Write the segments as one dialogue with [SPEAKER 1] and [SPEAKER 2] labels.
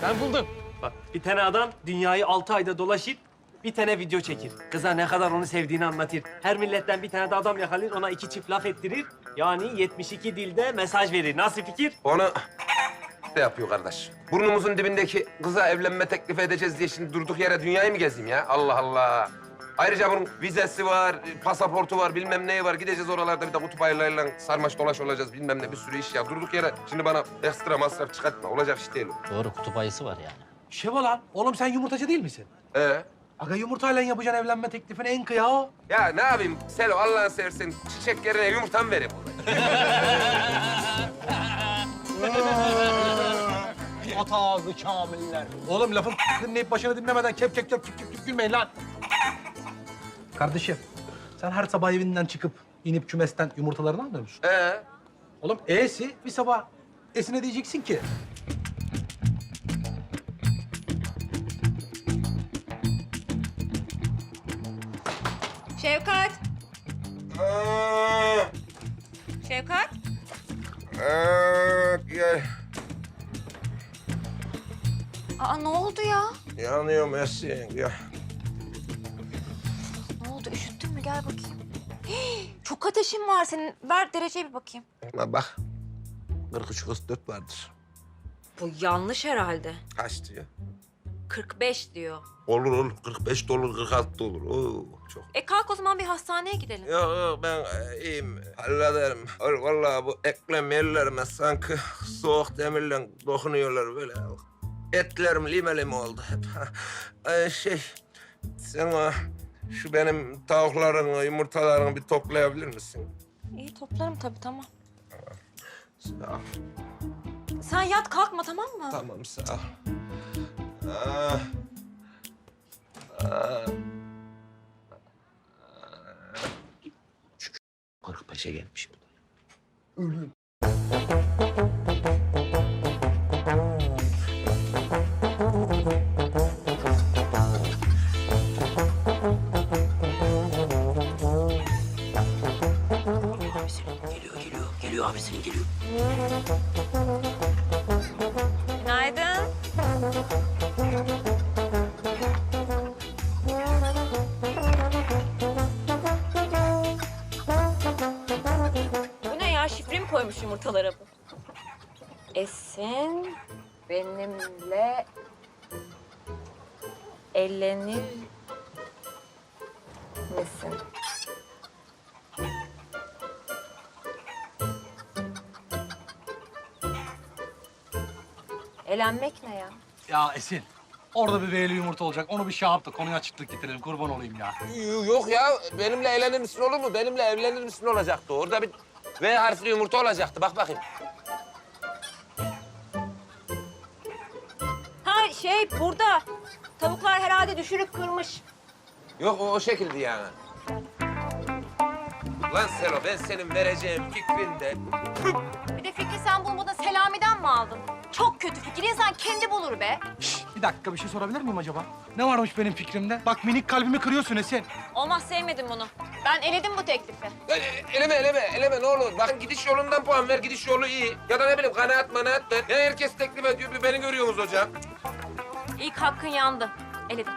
[SPEAKER 1] Ben buldum. Bak bir tane adam dünyayı 6 ayda dolaşıp bir tane video çekir. Kıza ne kadar onu sevdiğini anlatır. Her milletten bir tane de adam yakalar, ona 2 çift laf ettirir. Yani 72 dilde mesaj verir. Nasıl fikir?
[SPEAKER 2] Onu de yapıyor kardeş. Burnumuzun dibindeki kıza evlenme teklif edeceğiz diye şimdi durduk yere dünyayı mı gezeyim ya? Allah Allah. Ayrıca bunun vizesi var, pasaportu var, bilmem neyi var. Gideceğiz oralarda bir de kutup ayılarıyla sarmaş dolaş olacağız, bilmem ne bir sürü iş ya. Durduk yere şimdi bana ekstra masraf çıkartma. Olacak iş değil o.
[SPEAKER 3] Doğru, kutup ayısı var yani.
[SPEAKER 4] Şeva lan, oğlum sen yumurtacı değil misin?
[SPEAKER 2] Aga
[SPEAKER 4] Yumurtayla yapacaksın evlenme teklifini en kıya.
[SPEAKER 2] ya ne yapayım Selo Allah'ını seversen çiçek yerine yumurta mı vereyim?
[SPEAKER 4] At ağzı kamiller. Oğlum lafın dinleyip başını dinlemeden kep gülmeyin lan. Kardeşim, sen her sabah evinden çıkıp inip kümesten yumurtalarını almıyor musun? Oğlum E'si bir sabah E'sine diyeceksin ki.
[SPEAKER 5] Şevkat. Şevkat.
[SPEAKER 2] Gel.
[SPEAKER 5] Aa ne oldu ya?
[SPEAKER 2] Yanıyorum Esin, gel.
[SPEAKER 5] Ne oldu? Üşüttün mü? Gel bakayım. Hii, çok ateşin var senin. Ver dereceye bir bakayım.
[SPEAKER 2] Bak, 43-44 vardır.
[SPEAKER 5] Bu yanlış herhalde.
[SPEAKER 2] Kaç diyor?
[SPEAKER 5] 45 diyor.
[SPEAKER 2] Olur, 45 de olur, 46 da olur. Oo, çok.
[SPEAKER 5] Kalk o zaman bir hastaneye gidelim.
[SPEAKER 2] Yok, ben iyiyim, hallederim. Vallahi bu eklem yerlerime sanki soğuk demirle dokunuyorlar böyle. Etlerim limeli oldu hep. Sen şu benim tavukların, yumurtalarını bir toplayabilir misin?
[SPEAKER 5] İyi toplarım tabii, tamam.
[SPEAKER 2] Sağ ol.
[SPEAKER 5] Sen yat kalkma, tamam mı?
[SPEAKER 2] Tamam, sağ ol. Ah. Ah.
[SPEAKER 3] 45'e gelmiş bu. Geliyor abisinin geliyor.
[SPEAKER 5] Günaydın. Bu ne ya? Şifre mi koymuş yumurtalara bu? Esin benimle evlenir misin? Elenmek ne ya?
[SPEAKER 4] Ya Esin, orada bir V'li yumurta olacak. Onu bir şey yap da konuya açıklık getirelim. Kurban olayım ya.
[SPEAKER 2] Yok ya, benimle evlenir misin olur mu? Benimle evlenir misin olacaktı. Orada bir V harfli yumurta olacaktı. Bak bakayım.
[SPEAKER 5] Ha burada. Tavuklar herhalde düşürüp kırmış.
[SPEAKER 2] Yok, o şekilde yani. Lan Selo, ben senin vereceğin fikrinde...
[SPEAKER 5] Bir de fikri sen bulmadan Selami'den mi aldın? Çok kötü fikir. İnsan kendi bulur be.
[SPEAKER 4] Bir dakika, bir şey sorabilir miyim acaba? Ne varmış benim fikrimde? Bak minik kalbimi kırıyorsun Esin.
[SPEAKER 5] Olmaz, sevmedim bunu. Ben eledim bu teklifi.
[SPEAKER 2] Eleme ne olur. Bakın gidiş yolundan puan ver, gidiş yolu iyi. Ya da ne bileyim kanaat ver. Ya herkes teklif ediyor, bir beni görüyorsunuz hocam.
[SPEAKER 5] İlk hakkın yandı. Eledim.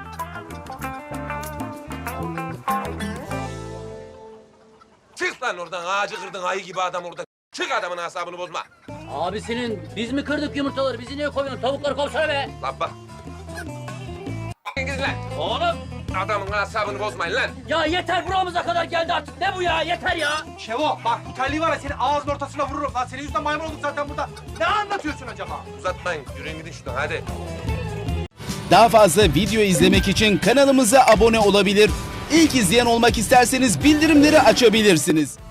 [SPEAKER 2] Çık lan oradan, ağacı kırdın ayı gibi adam orada. Çık, adamın asabını bozma.
[SPEAKER 3] Abisinin biz mi kırdık yumurtaları? Bizi niye koyuyorsun? Tavukları kovsana be.
[SPEAKER 2] Lan bak. Gidin lan.
[SPEAKER 3] Oğlum
[SPEAKER 2] Adamın asabını bozmayın lan.
[SPEAKER 3] ya yeter, buramıza kadar geldi artık. Ne bu ya? Yeter ya.
[SPEAKER 4] Şevo, bak bu terliği var ya senin ağzının ortasına vururum lan. Senin yüzünden maymun olduk zaten burada. Ne anlatıyorsun acaba?
[SPEAKER 2] Uzatmayın, yürüyün gidin şuradan hadi.
[SPEAKER 6] Daha fazla video izlemek için kanalımıza abone olabilir. İlk izleyen olmak isterseniz bildirimleri açabilirsiniz.